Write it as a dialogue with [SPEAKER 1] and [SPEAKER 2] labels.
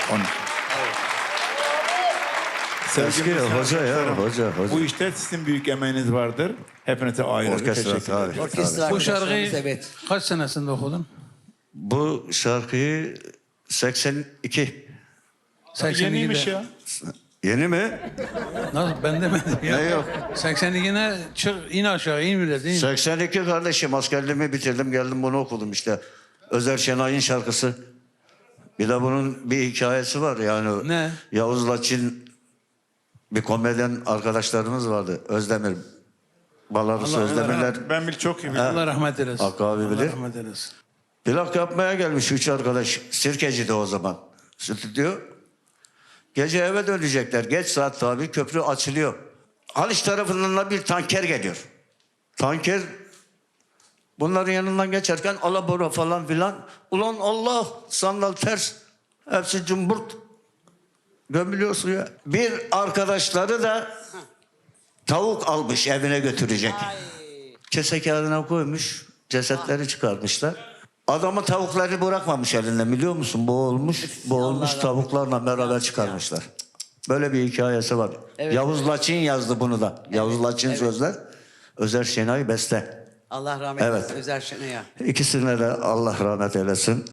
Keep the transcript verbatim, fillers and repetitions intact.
[SPEAKER 1] Onun.
[SPEAKER 2] Eski hoca ya, hoca, hoca.
[SPEAKER 1] Bu işte sizin büyük emeğiniz vardır. Hepinize ayrı ayrı
[SPEAKER 2] Orkestra,
[SPEAKER 1] teşekkür ederim.
[SPEAKER 2] tabii.
[SPEAKER 3] Orkestra
[SPEAKER 4] Bu şarkıyı
[SPEAKER 3] arkadaşlarımız, evet.
[SPEAKER 4] kaç senesinde okudun?
[SPEAKER 2] Bu şarkıyı seksen iki.
[SPEAKER 4] seksen ikide.
[SPEAKER 1] Yeniymiş ya.
[SPEAKER 2] Yeni mi?
[SPEAKER 4] Nasıl? Ben demedim ya.
[SPEAKER 2] Ne yok?
[SPEAKER 4] seksen ikine çık, in aşağı, in bile değil mi?
[SPEAKER 2] seksen iki kardeşim, askerliğimi bitirdim, geldim bunu okudum işte. Özer Şenay'ın şarkısı. Bir de bunun bir hikayesi var yani.
[SPEAKER 4] Ne?
[SPEAKER 2] Yavuz Laçin bir komedyen arkadaşlarımız vardı. Özdemir. Balarısı
[SPEAKER 4] Allah-
[SPEAKER 2] Özdemirler.
[SPEAKER 1] Ben bil çok iyi biliyorum.
[SPEAKER 4] Allah rahmet eylesin.
[SPEAKER 2] Hakkı abi
[SPEAKER 4] Allah
[SPEAKER 2] bilir.
[SPEAKER 4] rahmet eylesin.
[SPEAKER 2] Plak yapmaya gelmiş üç arkadaş. Sirkeci'de o zaman. Stüdyo. Gece eve dönecekler. Geç saat tabii, köprü açılıyor. Haliç tarafından da bir tanker geliyor. Tanker bunların yanından geçerken alabora falan filan. Ulan Allah, sandal ters. Hepsi cumburt. Gömülüyor suya. Bir arkadaşları da tavuk almış, evine götürecek. Kese kağıdına koymuş. Cesetleri çıkarmışlar. Adamı tavukları bırakmamış elinde, biliyor musun? Boğulmuş, boğulmuş tavuklarla beraber çıkarmışlar. Böyle bir hikayesi var.
[SPEAKER 3] Evet,
[SPEAKER 2] Yavuz
[SPEAKER 3] evet.
[SPEAKER 2] Laçin yazdı bunu da. Yavuz Laçin
[SPEAKER 3] evet.
[SPEAKER 2] sözler. Özer Şenay beste.
[SPEAKER 3] Allah rahmet
[SPEAKER 2] Evet.
[SPEAKER 3] eylesin Özer Şenay'a.
[SPEAKER 2] İkisine de Allah rahmet eylesin.